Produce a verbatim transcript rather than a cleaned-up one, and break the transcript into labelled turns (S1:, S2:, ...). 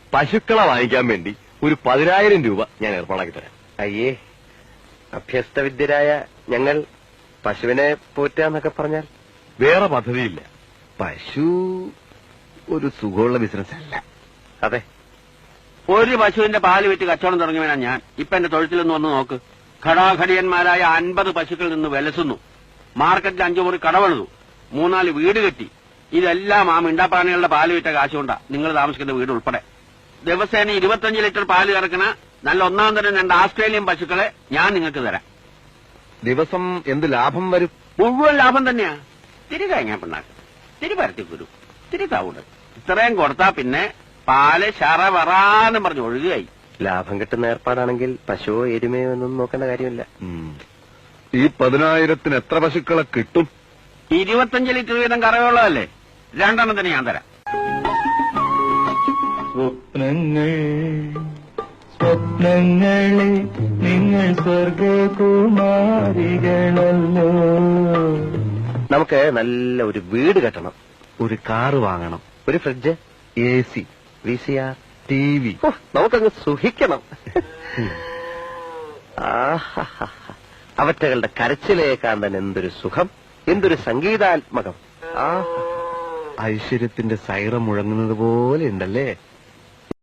S1: പശുക്കളെ വാങ്ങിക്കാൻ വേണ്ടി ഒരു പതിനായിരം രൂപ ഞാൻ ഏർപ്പാടാക്കി തരാം.
S2: അയ്യേ, അഭ്യസ്തവിദ്യരായ ഞങ്ങൾ പശുവിനെ പോറ്റാന്നൊക്കെ പറഞ്ഞാൽ
S1: വേറെ പദ്ധതിയില്ല. പശു ഒരു സുഖമുള്ള ബിസിനസ് അല്ല.
S2: അതെ,
S3: ഒരു പശുവിന്റെ പാല് വിറ്റ് കച്ചവടം തുടങ്ങിയവനാ ഞാൻ. ഇപ്പൊ എന്റെ തൊഴുത്തിലൊന്ന് വന്ന് നോക്ക്. ഘടാഘടിയന്മാരായ അൻപത് പശുക്കളിൽ നിന്ന് വിലസുന്നു. മാർക്കറ്റിൽ അഞ്ചു മുറി കടവെഴുതു, മൂന്നാല് വീട് കെട്ടി. ഇതെല്ലാം ആ മിണ്ടാപ്രാണികളുടെ പാല് വിറ്റ കാശുകൊണ്ടാ നിങ്ങൾ താമസിക്കുന്ന വീട് ഉൾപ്പെടെ. ദിവസേന ഇരുപത്തഞ്ച് ലിറ്റർ പാല് കറക്കണ നല്ല ഒന്നാം തരം രണ്ട് ആസ്ട്രേലിയൻ പശുക്കളെ ഞാൻ നിങ്ങൾക്ക് തരാം.
S1: ദിവസം എന്ത് ലാഭം വരും?
S3: മുഴുവൻ ലാഭം തന്നെയാ. തിരി കഴിഞ്ഞാ പിണ്ണാക്ക്, തിരി പരത്തിക്കുരു, തിരി തവിട്, ഇത്രയും കൊടുത്താ പിന്നെ പാല് ശറ വറാന്നും പറഞ്ഞ് ഒഴുകുകയായി.
S2: ലാഭം കിട്ടുന്ന ഏർപ്പാടാണെങ്കിൽ പശുവോ എരുമയോ എന്നൊന്നും നോക്കേണ്ട കാര്യമില്ല.
S1: ഈ പതിനായിരത്തിന് എത്ര പശുക്കളെ കിട്ടും?
S3: ഇരുപത്തഞ്ച് ലിറ്റർ വീതം കറവുള്ളതല്ലേ, രണ്ടെണ്ണത്തിന് ഞാൻ തരാം.
S4: സ്വപ്നങ്ങൾ സ്വപ്നങ്ങളെ നിങ്ങൾ സ്വർഗകുമാരികളല്ലോ.
S2: നമുക്ക് നല്ല ഒരു വീട് കെട്ടണം,
S1: ഒരു കാറ് വാങ്ങണം,
S2: ഒരു fridge,
S1: A C,
S2: V C R,
S1: T V.
S2: നമുക്കങ്ങ് സുഖിക്കണം. അവറ്റകളുടെ കരച്ചിലേക്കാൻ തന്നെ എന്തൊരു സുഖം, എന്തൊരു സംഗീതാത്മകം. ആ
S1: ഐശ്വര്യത്തിന്റെ സൈറം മുഴങ്ങുന്നത് പോലെ ഉണ്ടല്ലേ?